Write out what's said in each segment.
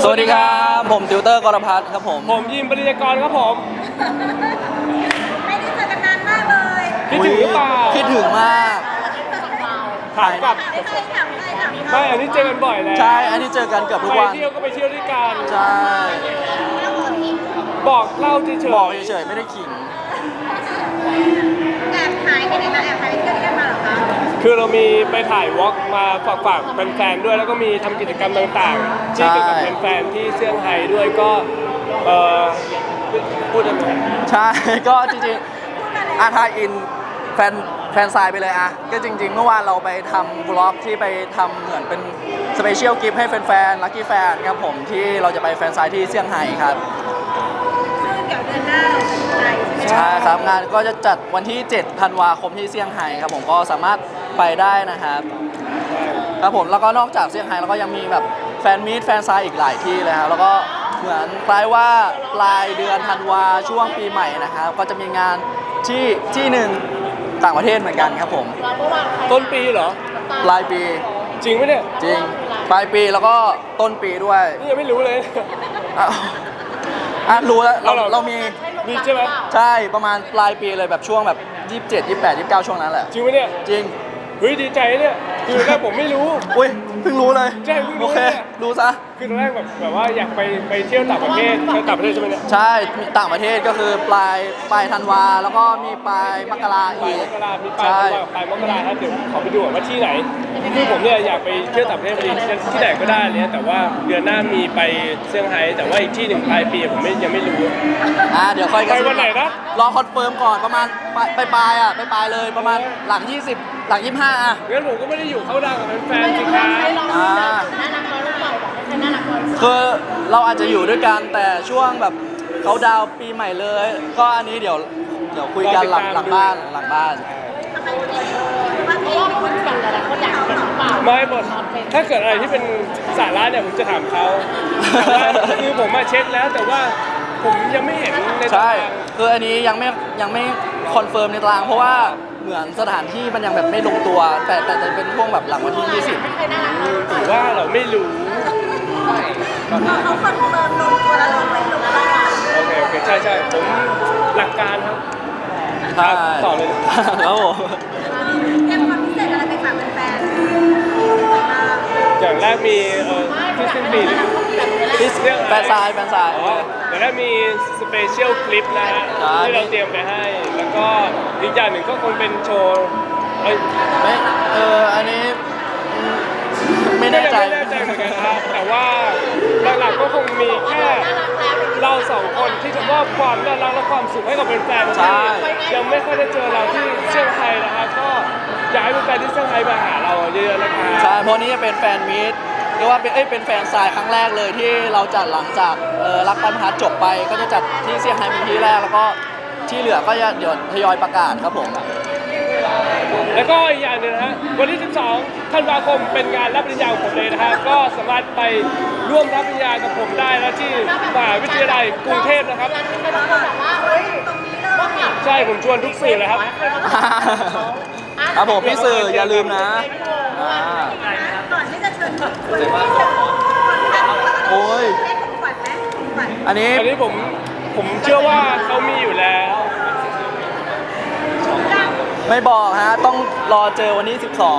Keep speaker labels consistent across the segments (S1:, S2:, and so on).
S1: สวัสดีครับผมติวเตอร์กรพัฒน์ครับผม
S2: ยิมปริยากรครับผม
S3: ไม่ได้เจอกันนานมากเลย
S2: คิดถึงหรือเปล่า
S1: คิดถึงมาก
S2: ถามกลับ
S3: ไม่เคยถามเลยถาม
S2: ไม่อันนี้เจอกันบ่อยแล้ว
S1: ใช่อันนี้เจอกันเกือบทุก
S2: ไป
S1: วัน
S2: เที่ยวก็ไปเที่ยวด้วยกัน
S1: ใช่
S2: บอกเล่าเฉยๆ
S1: บอกเฉยๆไม่ได้ขิง
S3: แอบหายไปไหนมาแอบหายไปเที่ยวด้วยกันมาเหรอคะ
S2: คือเรามีไปถ่ายวอล์กมาฝากแฟนๆด้วยแล้วก็มีทำกิจกรรมต่างๆที่เกี่ยวกับแฟนๆที่เซี่ยงไฮ้ด้วยก็พูดได้ไหม
S1: ใช่ ก็จริงๆทายอินแฟนไซน์ไปเลยอะก็จริงๆเมื่อวานเราไปทำบล็อกที่ไปทำเหมือนเป็นสเปเชียลกิฟต์ให้แฟนๆลัคกี้แฟนครับผมที่เราจะไปแฟนไซน์ที่เซี่ยงไฮ้ครับ
S3: ซึ่งเดี๋ยวเดือนหน้าเราจะไปใช่ไหม
S1: ใช่ครับงานก็จะจัดวันที่ 7 ธันวาคมที่เซี่ยงไฮ้ครับผมก็สามารถไปได้นะครับครับผมแล้วก็นอกจากเซี่ยงไฮ้แล้วก็ยังมีแบบแฟนมีตแฟนไซน์อีกหลายที่เลยครับแล้วก็เหมือนคล้ายว่าปลายเดือนธันวาช่วงปีใหม่นะครับก็จะมีงานที่หนึ่งต่างประเทศเหมือนกันครับผม
S2: ต้นปีเหรอ
S1: ปลายปี
S2: จริงไหมเนี่ย
S1: จริงปลายปีแล้วก็ต้นปีด้วย
S2: นี่ยังไม่รู้เลย
S1: อ่ะรู้แล้วเรามี
S2: มีใช่ไหม
S1: ใช่ประมาณปลายปีเลยแบบช่วงแบบ27 28 29ช่วงนั้นแหละ
S2: จริงไหมเนี่ย
S1: จริง
S2: เฮ้ยดีใจเนี่ยคือแรกผมไม่รู้
S1: อุ้ยเพิ่งรู้เลย
S2: ใช่เพิ่งรู้
S1: โอเค
S2: เนี่ย
S1: รู้ซะ
S2: คือตอนแรกแบบว่าอยากไปเที่ยวต่างประเทศใช่ไหมเนี่ย
S1: ใช่มีต่างประเทศก็คือปลายธันวาแล้วก็มีปลายมกรา
S2: ปลาย
S1: อี
S2: ม
S1: ก
S2: กรามีปลา
S1: ใช่
S2: ยปลายมกราครับเดี๋ยวขอไปดูก่อนว่าที่ไหนคือผมเนี่ยอยากไปเที่ยวต่างประเทศพอดีที่ไหนก็ได้เนี่ยแต่ว่าเดือนหน้ามีไปเซี่ยงไฮ้แต่ว่าอีกที่หนึ่งปลายปีผมยังไม่รู้
S1: เดี๋ยวค่อยกัน
S2: ไปวันไหนนะ
S1: รอคอนเฟิร์มก่อนประมาณปลายไปปลายเลยประมาณหลัง 20 หลัง 25 อ่ะ
S2: งั้นผมก็ไม่ได้อยู่เข้าดังกับแฟนๆสิครับ
S1: อ่าคือเราอาจจะอยู่ด้วยกันแต่ช่วงแบบเขาดาวน์ปีใหม่เลย ก็อันนี้เดี๋ยวคุยกันหลังบ้าน
S3: ทำไมว่าเพลงเป็นคนแต่งแต่คนอยากเห็นหรือเปล่า
S2: ไม่หมดถ้าเกิดอะไรที่เป็นสาระเนี่ยผมจะถามเขาแต่ว่าคือผมมาเช็คแล้วแต่ว่าผมยังไม่เห็นในตา
S1: ใช่
S2: ราง
S1: คืออันนี้ยังไม่คอนเฟิร์มในตารางเพราะว่าเหมือนสถานที่มันยังแบบไม่ลงตัว แต่จะเป็นช่วงแบบหลังวันที่
S2: ถือว่าเราไม่รู้
S3: เขาคอนเฟิร์มลงตัวแล้วเราไม่ลงบ้าง
S2: โอเคใช่ผมหลักการครับ
S1: 20 ใช่
S2: ต่อเลย
S1: ครับผม
S3: เตรียมความพิเศษอะไรไปฝากแฟน
S2: อย่างแรกมีที่สิ้นปี
S1: ที่แฟนซาย
S2: อ๋ออย่างแรกมีสเปเชียลคลิปนะฮะ
S1: ใช่
S2: ที่เราเตรียมไปให้ แล้วก็อีกอย่างหนึ่งก็คงเป็นโชว์เอ้ย
S1: ไม่อันนี้ไม่แน่ใจ
S2: ไม่แน่ใจเหมือนกันครับแต่ว่าหลักๆก็คงมีแค่เราสองคนที่จะมอบความน่ารักและความสุขให้กับแฟนๆ
S1: ใช่
S2: ที่ยังไม่ค่อยได้เจอเราที่เซี่ยงไฮ้นะครับก็อยากให้แฟนๆที่เซี่ยงไฮ้มาหาเราเยอะๆนะครับ
S1: ใช่เพราะนี้จะเป็นแฟนมีตเรียกว่าเป็นแฟนซายครั้งแรกเลยที่เราจัดหลังจากรักปันพัดจบไปก็จะจัดที่เซี่ยงไฮ้เป็นที่แรกแล้วก็ที่เหลือก็จะเดี๋ยวทยอยประกาศครับผม
S2: แล้วก็อีกอย่างหนึงนะฮะวันที่ 12 ธันวาคมเป็นงานรับปริญญาของผมเลยนะฮะก็สามารถไปร่วมรับปริญญากับผมได้นะที่มหาวิทยาลัยกรุงเทพนะครับ ใช่ผมชวนทุกสื่อเลยครับ
S1: ครับผมพี่สื่ออย่าลืมนะ
S3: ก่อนที่จะเชิญคนที่จะ
S1: โอ้ย
S3: ให้ของขวัญไหมของขวัญ
S1: อันนี้
S2: อันนี้ผมเชื่อว่าเขามีอยู่แล้ว
S1: ไม่บอกฮะต้องรอเจอวันที่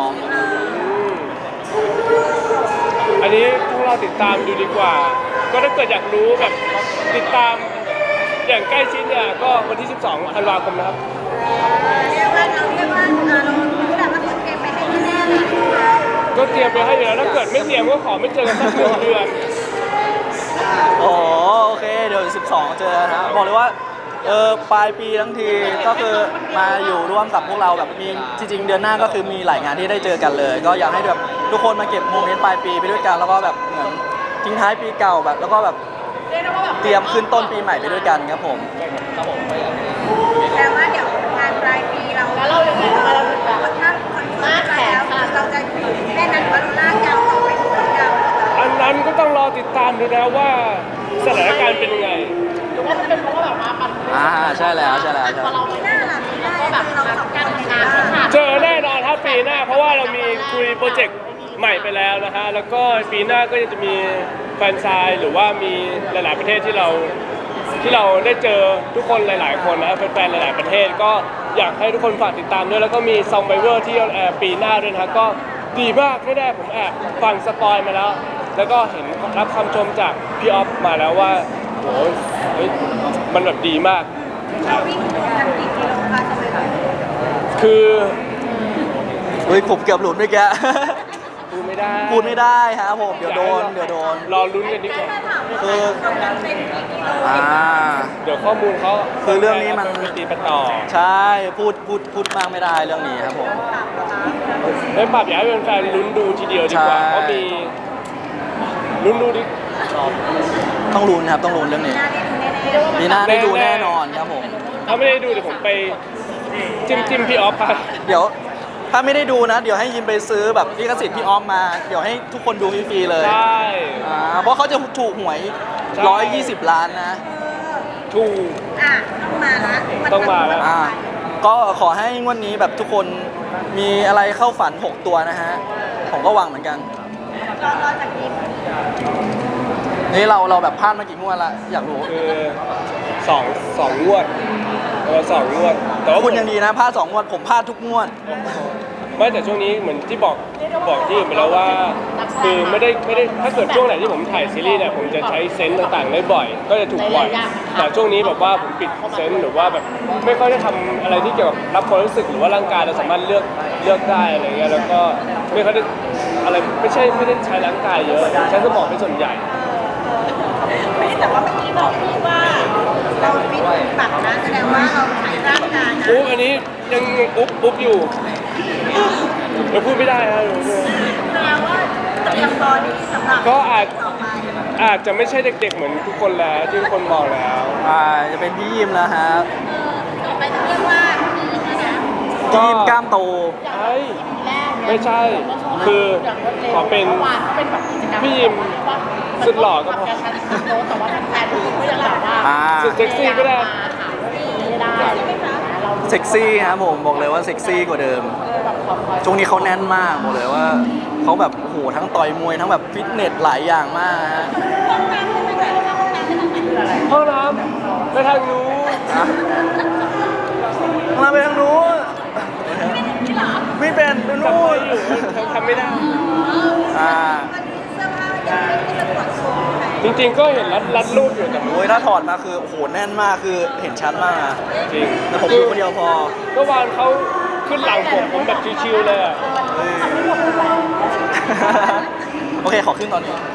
S2: อันนี้พวกเราติดตามดูดีกว่า ก็ถ้าเกิดอยากรู้แบบติดตามอย่างใกล้ชิดเนี่ยก็วันที่ 12 ธันวาคมนะครับ
S3: เรียกว่าเรารู้แต่ว่าคนเตรียมไปให้แน่ๆเลย
S2: ก็เตรียมไปให้อยู่แล้วถ้าเกิดไม่เตรียมก็ขอไม่เจอกันสักเดือน
S1: 12โอเคเดี๋ยว12 เจอนะบอกเลยว่าปลายปีทั้งทีก็คือมาอยู่ร่วมกับพวกเราแบบมีจริงๆเดือนหน้าก็คือมีหลายงานที่ได้เจอกันเลย ก็อยากให้แบบทุกคนมาเก็บโมเมนต์ปลายปีไปด้วยกันแล้วก็แบบเหมือนทิ้งท้ายปีเก่าแบบแล้วก็แบบเตรียมขึ้นต้นปีใหม่ไปด้วยกันครับผม
S3: แต่ว่าเดี๋ยวงานปลายปีเราแล้วเราอย่างนี้เราถึงแบบถ้าคอนเฟิร์มไปแล้วเราจะแค่นั้นว่าเราลากยาวต่อไปถึงยาว
S2: อันนั้นก็ต้องรอติดตามดูนะว่าสถานการณ์เป็นยังไง
S4: หรือว่าจะเป็นเพราะว่าแบบว่ามัน
S1: ใช่แล้ว
S4: พอเราไม่ได้แบบนี้ก็แบบเราสองการทำงานขาด
S2: เจอแน่นอนครับปีหน้าเพราะว่าเรามีคุยโปรเจกต์ใหม่ไปแล้วนะฮะแล้วก็ปีหน้าก็จะมีแนซายหรือว่ามีหลายๆประเทศที่เราได้เจอทุกคนหลายๆคนนะแฟนๆหลายๆประเทศก็อยากให้ทุกคนฝากติดตามด้วยแล้วก็มีซองไบเวอร์ที่ออนแอร์ปีหน้าด้วยนะครับก็ดีมากแน่ๆผมแอบฟังสปอยมาแล้ว แล้วก็เห็นรับคำชมจากพี่ออฟมาแล้วว่าโหเฮ้ยมันแบบดีมาก
S3: เราวิ่งกันกี่กิโลคะจะไปไหน
S2: คือ
S1: เฮ้ยผมเกือบหลุดเมื่อกี้
S2: พูดไม่ได้
S1: พูดไม่ได้ครับผมเดี๋ยวโดน
S2: รอลุ้นกันดีกว่า
S1: คือ
S3: เราเป็นกี่กิโล
S2: เดี๋ยวข้อมูลเขา
S1: คือเรื่องนี้มัน
S2: ไปตีไปต่อ
S1: ใช่พูดมากไม่ได้เรื่องนี้ครับผม
S2: ไม่ปรับอยากให้แฟนๆลุ้นดูทีเดียวดีกว่า
S1: ใช่
S2: เพราะมีลุ้นดูดิ
S1: ต้องลุ้นครับต้องลุ้นเรื่องนี้
S3: หน้าได้ดูแน่ๆ
S1: มีหน้าได้ดูแน่นอนครับผม
S2: ถ้าไม่ได้ดูเดี๋ยวผมไปจิ้มพี่ออฟไป
S1: เดี๋ยวถ้าไม่ได้ดูนะ เดี๋ยวให้ยิมไปซื้อแบบลิขสิทธิ์พี่ออฟมา เดี๋ยวให้ทุกคนดูฟรีๆเลย
S2: ใช่
S1: เพราะเขาจะถูกหวย
S2: ใช่
S1: 120 ล้านนะ
S2: ถูก
S3: อ่ะต้องมาละ
S2: ต้องมาละ
S1: ก็ขอให้งวดนี้แบบทุกคนมีอะไรเข้าฝัน 6 ตัวนะฮะ ผมก็หวังเหมือนกัน
S3: รอจากยิม
S1: นี่เราแบบพลาดมากี่งวดละอยากรู้
S2: คือสองงวดสองงวดแต่ว่า
S1: คุณยังดีนะพลาด2 งวด ผมพลาดทุกงวด
S2: ไม่แต่ช่วงนี้เหมือนที่บอกที่อื่นไปแล้วว่าคือไม่ได้ถ้าเกิดช่วงไหนที่ผมถ่ายซีรีส์เนี่ยผมจะใช้เซนส์ต่างๆได้บ่อย ก็จะถูกบ่อยแต่ช่วงนี้แบบว่าผมปิดเซนส์หรือว่าแบบไม่ค่อยได้ทำอะไรที่เกี่ยวกับรับความรู้สึกหรือว่าร่างกายเราสามารถเลือกได้อะไรเงี้ยแล้วก็ไม่ค่อยได้อะไรไม่ได้ใช้ร่างกายเยอะใช้สมองเป็นส่วนใหญ่
S3: แต่ว่าเมื่อกี้บอกพี่ว่าเราฟิตปักนะแสดงว่าเราใช้ร่างกายนะ
S2: อันนี้ยังอุ๊บอยู่เราพูดไม่ได้ฮะ
S3: แสดงว่าเตรียมบอดี้สำหรับ
S2: ก็อาจ
S3: ต่อไป
S2: อาจจะไม่ใช่เด็กๆเหมือนทุกคนแล้วที่ทุกคนมองแล้ว
S1: จะเป็นพี่ยิมแล้วฮะ
S3: ต่อไปจะเรียกว่าพี่นะนะ
S1: พี่ยิมกล้ามโต
S2: ใช่ไม่ใช่ คือขอเป็นพี่ยิมสุดหล่อก็พอ
S4: แต่ว่าแฟนๆทุกคนก็ยังแบบว่า
S2: สุดเซ็กซี่ก็ได้
S4: ไม่ได้เรา
S1: เซ็กซี่ครับผมบอกเลยว่าเซ็กซี่กว่าเดิม ช่วงนี้เขาแน่นมากบอกเลยว่าเขาแบบโอ้โหทั้งต่อยมวยทั้งแบบฟิตเนสหลายอย่างมากฮะ
S2: ห้องน้ำไปทางนู้น
S1: มาไปทางนู้นไม่เป็นไป
S2: ทำ
S1: นู้
S2: ไม่
S1: น
S2: อยู่ทำไม่ได้
S3: วันนี้เสื้อผ้ายังไม่ได้สปอร์ตสูง
S2: จริงๆก็เห็นรัดรูปอยู่แต่
S1: โอ้ยถ้าถอดมาคือโอ้โหแน่นมากคือเห็นชัดมากอะ
S2: จริง
S1: แต่ผมอยู่คนเดียวพอ
S2: เมื่อวานเขาขึ้นหลังผมแบบชิวๆเลยอะ
S1: โอเคขอขึ้นตอนนี้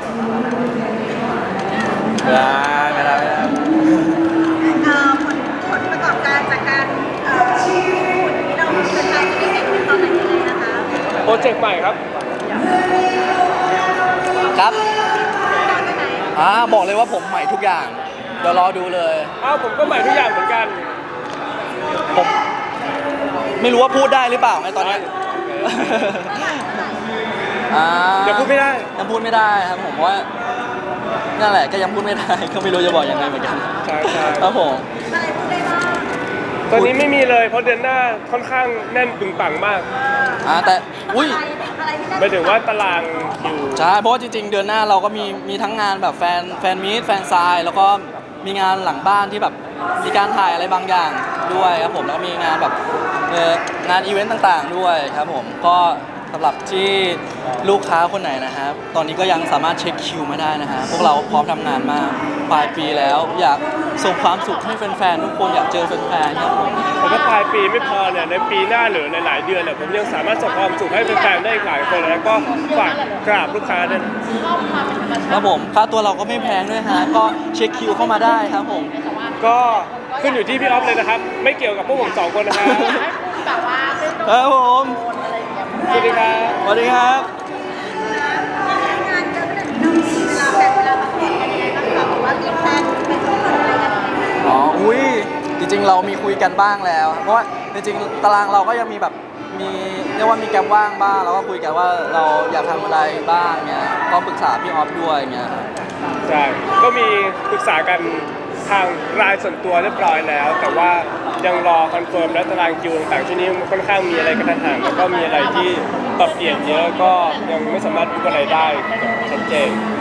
S1: ไม่ได้
S3: ผลประกอบการจากการที่เราเป็นใจจะได้เห็นเป็นตอนไหนยังไงนะคะ
S2: โปรเจกต์ใหม่ครับ
S1: ครับบอกเลยว่าผมใหม่ทุกอย่างเดี๋ยวรอดูเลย
S2: อ้าวผมก็ใหม่ทุกอย่างเหมือนกัน
S1: ผมไม่รู้ว่าพูดได้หรือเปล่าไงตอนเนี้ย
S2: อย่าพูดไม่ได้
S1: ยังพูดไม่ได้ครับผมว่านั่นแหละก็ยังพูดไม่ได้ ก็ไม่รู้จะบอกยังไงเหมือนกัน
S2: ใช่ใช่
S1: ครับผม
S3: อะไรพูดได้บ้าง
S2: ตอนนี้ไม่มีเลยเพราะเดือนหน้าค่อนข้างแน่นปึงปังมาก
S1: แต่อุ้ย
S3: อะไรที่ได้
S2: หมายถึงว่าตารางคิว
S1: ใช่เพราะว่าจริงๆเดือนหน้าเราก็มีทั้งงานแบบแฟนมีตแฟนไซน์แล้วก็มีงานหลังบ้านที่แบบมีการถ่ายอะไรบางอย่างด้วยครับผมแล้วก็มีงานแบบงานอีเวนต์ต่างๆด้วยครับผมก็สำหรับที่ลูกค้าคนไหนนะครับตอนนี้ก็ยังสามารถเช็คคิวมาได้นะฮะพวกเราพร้อมทำงานมากปลายปีแล้วอยากส่งความสุขให้แฟนๆทุกคนอยากเจอแฟนๆครับผม
S2: แต่ถ้าปลายปีไม่พอเนี่ยในปีหน้าหรือในหลายเดือนเนี่ยผมยังสามารถส่งความสุขให้แฟนๆได้อีกหลายคนแล้วก็ฝากกราบลูกค้าด้วยนะ
S1: ครับผมค่าตัวเราก็ไม่แพงด้วยฮะก็เช็คคิวเข้ามาได้ครับผม
S2: ก็ขึ้นอยู่ที่พี่ออฟเลยนะครับ ไม่เกี่ยวกับพวกผมสองคนนะครับ
S4: แบบว่าเรื่อง
S1: ครับผม
S4: อะไรอย่างเงี้ย
S2: สวัสดีครับ
S1: สวัสดีครับ
S3: งานเยอะขนาดนี้เรามีเวลาแบ่งเวลาพักผ่อนกันยังไงบ้างคะหรือว่ามีแพลนเป็นทุกคนอะไรกันยังไง
S1: อุ้ยจริงๆเรามีคุยกันบ้างแล้ว เพราะว่าจริงๆตารางเราก็ยังมีแบบมีเรียกว่ามีแกมว่างบ้างเราก็คุยกันว่าเราอยากทำอะไรบ้างเงี้ยก็ปรึกษาพี่ออฟด้วยเงี้ย
S2: ใช่ ก็มีปรึกษากันทางรายส่วนตัวเรียบร้อยแล้ว แต่ว่ายังรอคอนเฟิร์มและตารางคิวต่างๆช่วงนี้ค่อนข้างมีอะไรกระทันหันแล้วก็มีอะไรที่ปรับเปลี่ยนเยอะก็ยังไม่สามารถพูดอะไรได้แบบชัดเจน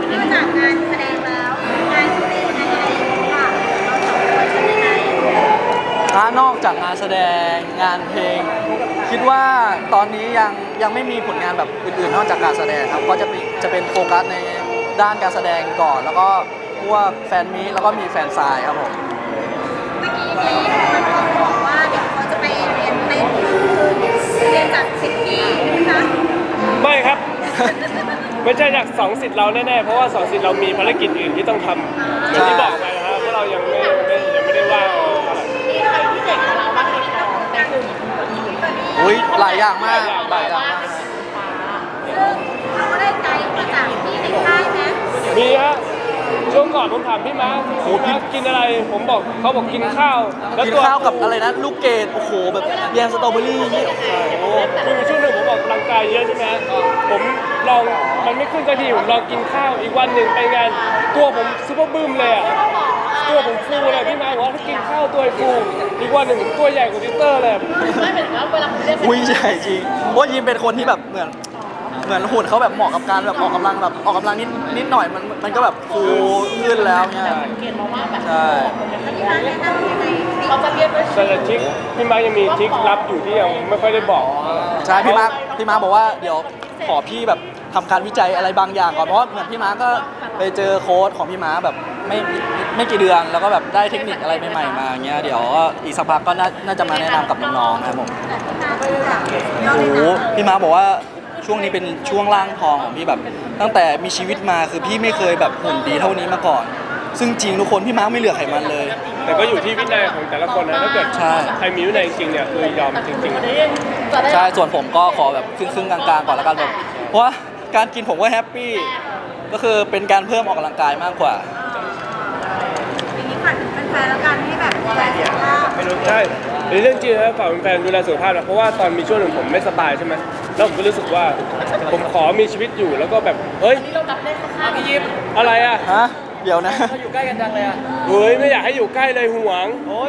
S3: นอกจากงานแสดงแล้วงานที่เป็นงานอะไรค่ะเราสองคนเป็นยังไง
S1: นอกจากงานแสดงงานเพลง คิดว่าตอนนี้ยังไม่มีผลงานแบบอื่นๆนอกจากการแสดงครับก็จะเป็นโฟกัสในด้านการแสดงก่อน แล้วก็พวกแฟนมีตแล้วก็มีแฟนซายครับผม
S3: เมื่อกี้นี้มันบอกว่าเดี๋ยวเขาจะไปเรียนเต้นเรียนจากสิทธิ์พี่ใช่ไหมคะ
S2: ไม่ครับ ไม่ใช่จากสองสิทธิ์เราแน่ๆเพราะว่าสองสิทธิ์เรามีภารกิจอื่นที่ต้องทำอย่างที่บอกไปนะครับว่าเรายังไม่ได้ว่างเท่าไหร่
S4: มีใครที่เด็กกว่าเราบ้างไหมในกลุ่ม
S1: อุ้ยหลายอย่างมากหลายอย่างมาก
S3: ซึ่งเขาก็ได้ไกด์มาจากที่ในค่ายไหม
S2: มีฮะช่วงก่อนผมถามพี่ม้ากินอะไรผมบอกเขาบอกกินข้าวแล้ว
S1: กิน
S2: ตัว
S1: ข้าวกับอะไรนะลูกเกดโอ้โหแบบแยมสตรอเบอรี่นี่โอ้โห
S2: คือช่วงหนึ่งผมออกกำลังกายเยอะใช่ไหมผมลองมันไม่ขึ้นสักทีผมลองกินข้าวอีกวันหนึ่งไปงานตัวผมซุปเปอร์บึ้มเลยอ่ะตัวผมฟูเลยพี่ม้าบอกว่าถ้ากินข้าวตัวฟูอีกวันหนึ่งผมตัวใหญ่กว่าทิวเตอร์เลย
S4: ไม่เหมือนว่าเวลาคุณเรียก
S1: อุ้ยใหญ่จริงเพราะยิมเป็นคนที่แบบเหมือนหุ่นเขาแบบเหมาะกับการแบบออกกำลังนิดหน่อยมันก็แบบฟูขึ้นแล้วเนี่ย
S4: เกณฑ์มาว่าแบบ
S1: ใช่
S3: ที่ร้านแนะนำยังไง
S4: เขาจะเรียกด้วย
S2: แต่ทริคพี่ม้ายังมีทริคลับอยู่ที่ยังไม่ค่อยได้บอก
S1: ใช่พี่มาร์คบอกว่าเดี๋ยวขอพี่แบบทำการวิจัยอะไรบางอย่างก่อนเพราะว่าเหมือนพี่มาร์คก็ไปเจอโค้ดของพี่มาร์คแบบไม่กี่เดือนแล้วก็แบบได้เทคนิคอะไรใหม่ๆมาอย่างเงี้ยเดี๋ยวอีกสักพักก็น่าจะมาแนะนำกับน้องๆนะครับผม โอ้โหพี่มาร์คบอกว่าช่วงนี้เป็นช่วงร่างทองของพี่แบบ ตั้งแต่มีชีวิตมาคือพี่ไม่เคยแบบหุ่นดีเท่านี้มาก่อน ซึ่งจริงทุกคนพี่มาร์คไม่เหลือไขมันเลย
S2: แต่ก็อยู่ที่วินัยของแต่ละคนนะถ้าเกิด
S1: ใช่
S2: ใครมีวินัยจริงๆเนี่ยคือยอมจริงๆ
S1: ใช่ส่วนผมก็ขอแบบครึ่งๆกลางๆก่อนแล้วกันแบบเพราะว่าการกินผมก็แฮปปี้ก็คือเป็นการเพิ่มออกกำลังกายมากกว่า
S3: ทีนี้ฝากถึงแฟนๆแล้วกันให้แบบดูแลสุขภาพ
S2: ใช่ในเรื่องจริงนะฝากแฟนๆดูแลสุขภาพนะเพราะว่าตอนมีช่วงหนึ่งผมไม่สบายใช่ไหมแล้วผมก็รู้สึกว่าผมขอมีชีวิตอยู่แล้วก็แบบเฮ้ย
S4: นี่เราดับได้ข้างๆพี่ยิป
S2: อะไรอ่ะ
S1: ฮะเดี๋ยวนะ
S4: เขาอยู่ใกล้กันจังเลยอ่ะ
S2: เฮ้ยไม่อยากให้อยู่ใกล้เลยห่วง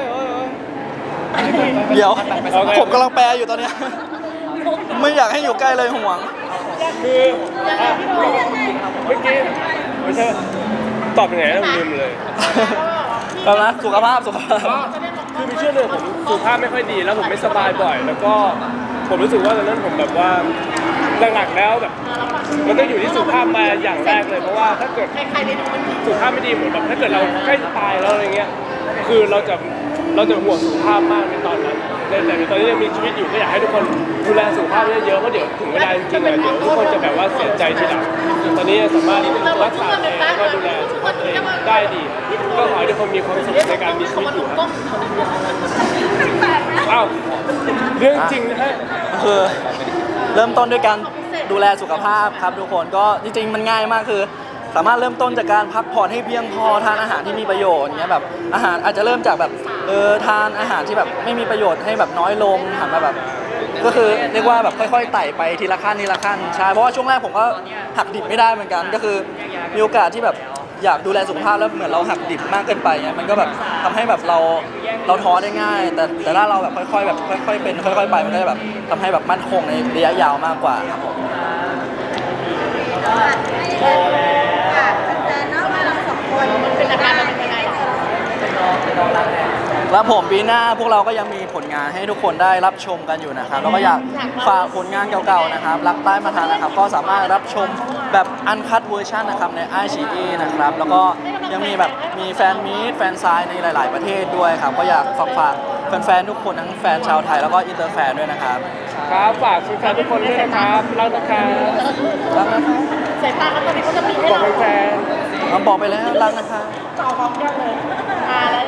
S1: เดี๋ยว
S2: โอเค
S1: ผมกำลังแปลอยู่ตอนเนี้ยไม่อยากให้อยู่ใกล้เลยห่วง
S2: คืออ่ะเมื่อกี้ไม่ใช่ตอบยังไงนะผมลืมเลย
S1: แล้วนะสุขภาพ
S2: คือมีช่วงหนึ่งผมสุขภาพไม่ค่อยดีแล้วผมไม่สบายบ่อย แล้วก็ผมรู้สึกว่าตอนนั้นผมแบบว่าหลักๆแล้วแบบมันต้องอยู่ที่สุขภาพมาอย่างแรกเลยเพราะว่าถ้าเกิด
S4: ใครๆไปดูมัน
S2: สุขภาพไม่ดีเหมือนแบบถ้าเกิดเราใกล้จะตายแล้วอะไรเงี้ยคือเราจะห่วงสุขภาพมากในตอนนั้นแต่ในตอนนี้ยังมีชีวิตอยู่ก็อยากให้ทุกคนดูแลสุขภาพเยอะๆเพราะเดี๋ยวถึงเวลาจริงๆอะเดี๋ยวทุกคนจะแบบว่าเสียใจทีหลังตอนนี้สามารถรักษาตัวเองแล้วก็ดูแลสุขภาพตัวเองได้ดีก็ขอให้ทุกคนมีความสุขในการมีชีวิตอยู่ครับอ้าวเรื่องจริงนะฮะ
S1: คือเริ่มต้นด้วยการดูแลสุขภาพครับทุกคนก็จริงๆมันง่ายมากคือ สามารถเริ่มต้นจากการพักผ่อนให้เพียงพอทานอาหารที่มีประโยชน์เงี้ยแบบอาหารอาจจะเริ่มจากแบบทานอาหารที่แบบไม่มีประโยชน์ให้แบบน้อยลงหันมาแบบก็คือเรียกว่าแบบค่อยๆไต่ไปทีละขั้นใช่เพราะว่าช่วงแรกผมก็หักดิบไม่ได้เหมือนกันก็คือมีโอกาสที่แบบอยากดูแลสุขภาพแล้วเหมือนเราหักดิบมากเกินไปเงี้ยมันก็แบบทำให้แบบเราท้อได้ง่าย แต่ถ้าเราแบบค่อยๆแบบค่อยๆเป็นค่อยๆไปมันก็จะแบบทำให้แบบมั่นคงในระยะยาวมากกว่าครับผม
S3: แฟนๆเนาะเราสองคนเป็นอาการเป็นยังไง
S1: แล้วผมปีหน้าพวกเราก็ยังมีผลงานให้ทุกคนได้รับชมกันอยู่นะครับแล้วก็อยากฝากผลงานเก่าๆนะครับรักใต้มาทานนะครับก็สามารถรับชมแบบอันคั เวอร์ชันนะครับใน iQIYI นะครับแล้วก็ยังมีแบบมีแฟนมีตแฟนไซน์ในหลาย ๆประเทศด้วยครับก็อยากฝากแฟนๆทุกคนทั้งแฟนชาวไทยแล้วก็อินเตอร์แฟนด้วยนะครับ
S2: ครับฝากแฟนๆทุกคนด้วยนะครับรักนะครับ
S1: รักนะครับ
S4: สายตาเขาตอนนี้เขาจะมีให้
S2: บอก
S4: เรา
S2: แฟน
S1: บอกไปแล้วรักนะครับ
S4: จอพร้อมกันเลยมาแล้ว